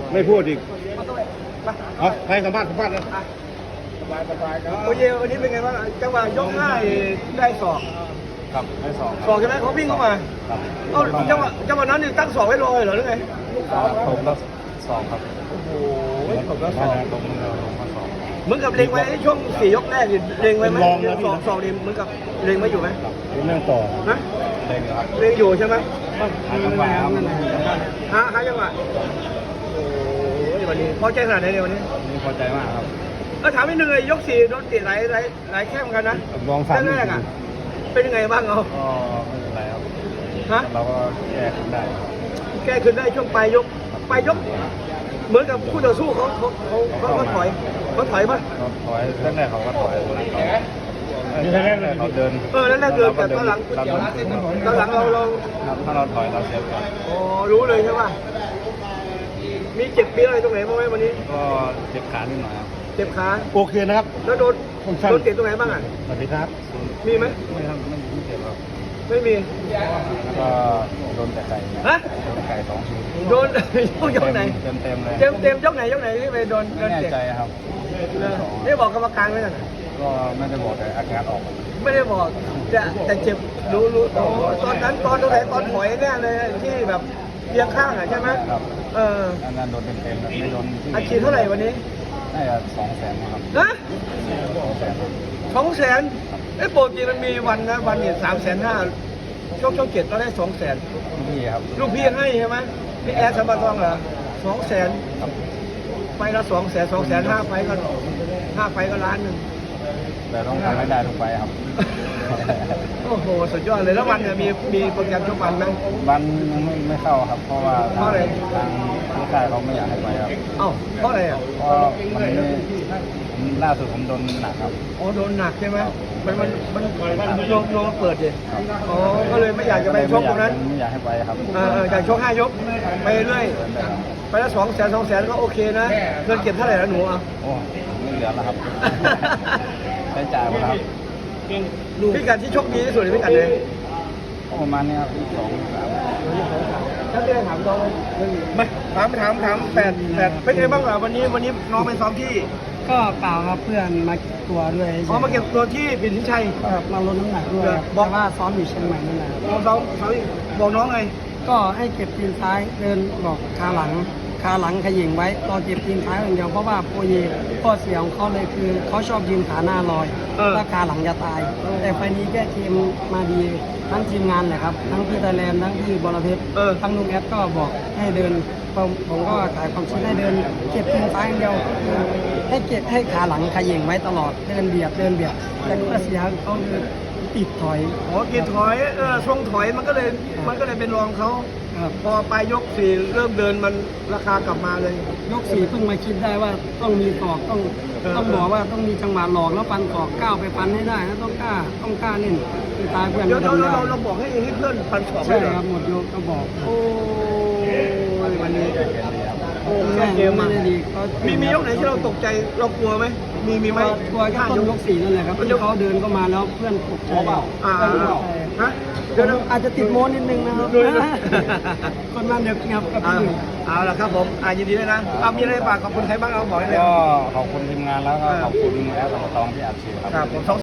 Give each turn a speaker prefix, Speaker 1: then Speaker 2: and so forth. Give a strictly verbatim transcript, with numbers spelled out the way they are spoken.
Speaker 1: ไม่พูดอีกเอาให้สัมภาษณ์สัมภาษณ์นะ
Speaker 2: โอเยวันนี้เป็นไงบ้างจังหวะยกห้าได้ศอก
Speaker 1: ครับให้สอง
Speaker 2: ศอกใช่ไหมเขาวิ่งเข้ามา
Speaker 1: ครับ
Speaker 2: เอาจังหวะจังหวะนั้นนี่ตั้งศอกไว้รอเหรอหรือไง
Speaker 1: ผมก็สองครับ
Speaker 2: โอ้โหผมก็ศ
Speaker 1: ถ้า
Speaker 2: อก
Speaker 1: ตรงนี้เราลงมาสอง
Speaker 2: เหมือนกับเล็งไว้ช่วงสี่ยกแรกนี่เล็งไว้ไหมสองสองนี่เหมือนกับเล็งไว้อยู่ไหม
Speaker 1: ครับเรื่องต่อ
Speaker 2: นะ
Speaker 1: เล่นครับ
Speaker 2: เล็งอยู่ใช่ไหม
Speaker 1: หาจังหวะครับ
Speaker 2: หาหาจังหวะโอ้ยวันนี้พอใจขนาดไหนเนี่ยวันนี้
Speaker 1: นี่พอใจมากครับ
Speaker 2: เออถามนิดนึงเลยยกสี่โดนเตะหลายหลายหลายแข้งกันนะ
Speaker 1: ลองสาม
Speaker 2: แรกๆอ่ะเป็นยังไงบ้างเอา
Speaker 1: ก็ไม่เป็นไรครับ
Speaker 2: ฮะ
Speaker 1: เราก็แก้ขึ้นได้ครับ
Speaker 2: แก้คืนได้ช่วงปลายยกปลายยก เหมือนกับคู่ต่อสู้เขาเขาเขาเขาเขาถอยเขาถอยป่ะ
Speaker 1: ก็ถอยแรกๆเขาก็ถอยนี่แรกๆเขาเดิน
Speaker 2: เออแล้วแรกเดินแต่ตอนหลัง
Speaker 1: เราเดิน
Speaker 2: ตอนหลังเราเรา
Speaker 1: ถ้าเราถอยเราเสียก่อน
Speaker 2: อ๋อรู้เลยใช่ป่ะมีเจ็บปีอะไรตรงไหนบ้างไหมวันนี้
Speaker 1: ก็เจ็บขานิดหน่อยครับ
Speaker 2: เจ็บขา
Speaker 1: โอเคนะครับ
Speaker 2: แล้วโดนโดนเตะตรงไหนบ้างอ่ะ
Speaker 1: สวัสดีครับ
Speaker 2: มีไหม
Speaker 1: ไม่ครับไม่ไม่เจ็บครับ
Speaker 2: ไม่มี
Speaker 1: แล้วก็โดนแต่ไก่
Speaker 2: ฮะ
Speaker 1: โดนแต่ไก่สองที
Speaker 2: โดน ยกไหน
Speaker 1: เต็มเต็มๆเลย
Speaker 2: เต็มเต็มยกไหนยกไหนที่ไปโดนโด
Speaker 1: ไม่
Speaker 2: น
Speaker 1: แน่
Speaker 2: เตะ
Speaker 1: ใจครับ
Speaker 2: ได้บอกกรรมการไหมน่ะ
Speaker 1: ก็ไม่ได้บอกแต่อาการออก
Speaker 2: ไม่ได้บอกแต่แต่เจ็บรู้รู้อ๋อตอนนั้นตอนตรงไหนตอนถอยแน่เลยที่แบบเอียงข้างอ่ะใช่ไหม
Speaker 1: ครับ
Speaker 2: เออ
Speaker 1: อันนั้นโดนเต็มเต็มๆไม่โดนที่
Speaker 2: อาชีพเท่าไหร่วันนี้
Speaker 1: น่าจะสองแสนครับ
Speaker 2: นะ
Speaker 1: สองแสน
Speaker 2: สองแสนไอ้ยปกติมันมีวันนะวันเนี่ยสามแสนห้าช่วงช่วงเจ็ดเราได้สองแสน
Speaker 1: พี่ครับ
Speaker 2: ลูกพี่ให้ใช่ไหมพี่แอดสมบัติทองเหรอสองแสนไฟละสองแสนสองแสนห้าไฟก็ห้าไฟก็ล้านหนึ่ง
Speaker 1: แต่ต้องทำให้ได้ทุกไฟครับ
Speaker 2: โอ้โหสุดยอดเลยแล้ววันเนี่ยมีมีโปรแกรมทุกวันไหม
Speaker 1: วันยังไม่ไม่เข้าครับ เพราะว่า
Speaker 2: เพราะอะไร
Speaker 1: ทางที่ค่ายเขาไม่อยากให้ไปครับ
Speaker 2: เอ้าเพราะอะไรอ่ะ
Speaker 1: เพราะมันไม่ผมล่าสุดผมโดนหนักครับ
Speaker 2: อ๋อโดนหนักใช่ไหมมันมันมันโยงโยงเปิดดิอ๋อก็เลยไม่อยากจะไปชกตรงนั้น
Speaker 1: ไม่อยากให้ไปครับ
Speaker 2: เออเอออยากชกห้ายกไปเรื่อยไปละสองแสนสองแสนก็โอเคนะเงินเก็บเท่าไหร่แล้วหนูอ่ะ
Speaker 1: โอ้ไม่เหลือแล้วครับ ใช้จ่ายหมดแล้วครับ
Speaker 2: พิกัดที่โชคดีที่สุดในพิกัดเลย
Speaker 1: ก็ประมาณนี้ครับสองสาม
Speaker 2: ถ้าได้ถามน้องไม่ถามถามถามแปดแปดเป็นไงบ้างล่ะวันนี้วันนี้น้องไปซ้อมที่
Speaker 3: ก็เปล่าครับเพื่อนมาเก็บตัวด้วย
Speaker 2: อ๋อมาเก็บตัวที่ปิ่นสินชัย
Speaker 3: ครับมาลดน้ำหนักด้วยครับ
Speaker 2: บอก
Speaker 3: แต่ว่าซ้อมอยู่เชียงใหม่นั่นแหละครับ
Speaker 2: บอกซ้อมซ้อมบอกน้องไง
Speaker 3: ก็ให้เก็บตีนซ้ายเดินบอกขาหลังขาหลังขยิงไว้รอเก็บตีนซ้ายอย่างเดียวเพราะว่าโปรเยข้อเสียของเขาเลยคือเขาชอบยืนขาหน้าลอยถ้าขาหลังจะตาย แต่ไฟล์นี้แก้เกมมาดีทั้งทีมงานแหละครับทั้งพี่ไทยแลนด์ทั้งพี่บอลเพชรทั้งลุงแอดก็บอกให้เดินผมผมก็ขายความคิดให้เดินเก็บตีนซ้ายอย่างเดียวให้เก็บให้ขาหลังขยิงไว้ตลอดเดินเบียดเดินเบียดแต่ข้อเสียของเขาคือติดถอย
Speaker 2: อ๋อกินถอยเออช่วงถอยมันก็เลยมันก็เลยเป็นรองเขา
Speaker 3: ครับ
Speaker 2: พอไปยกสี่เริ่มเดินมันราคากลับมาเลย
Speaker 3: ยกสี่เพิ่งมาคิดได้ว่าต้องมีศอกต้อง
Speaker 2: เออ
Speaker 3: ต้องบอกว่าต้องมีจังหวะหลอกแล้วฟันศอกก้าวไปฟันให้ได้นะต้องกล้าต้องกล้าเล่นคือตายเพื่อน
Speaker 2: เดี๋ยว
Speaker 3: ก็
Speaker 2: เรา
Speaker 3: ทำได้
Speaker 2: เราเราบอกให้ให้เพื่อนฟันสอง
Speaker 3: ใช่
Speaker 2: เลยเหรอ
Speaker 3: ครับหมดยกก็บอก
Speaker 2: โอ้ยวันนี้โอ้
Speaker 3: แม่
Speaker 2: เกม
Speaker 3: ไม่
Speaker 2: มา
Speaker 3: ได้ดีเขา
Speaker 2: มีมียกไหนที่เราตกใจเรากลัวไหมมีมีไหม
Speaker 3: กลัวแค่ต้นยกสี่นั่นแหละครับที่เขาเดินเข้ามาแล้วเพื่อนตกใจ
Speaker 2: อ่า
Speaker 3: เพื่อนตกใจ
Speaker 2: ฮะเดี๋ยวนะ
Speaker 3: อาจจะติดโม้นิดนึงนะครับ
Speaker 2: ด้วยนะ
Speaker 3: คนมันเด็กงับกับ
Speaker 2: อ่า
Speaker 3: พี่
Speaker 2: เอาละครับผมอ่ายินดีด้วยนะเอามีอะไรฝากขอบคุณใครบ้างเอาบอกได้เลย
Speaker 1: ก็ขอบคุณทีมงานแล้วก็ขอบคุณแอดตองที่อัดฉีดครับ
Speaker 2: ครับผม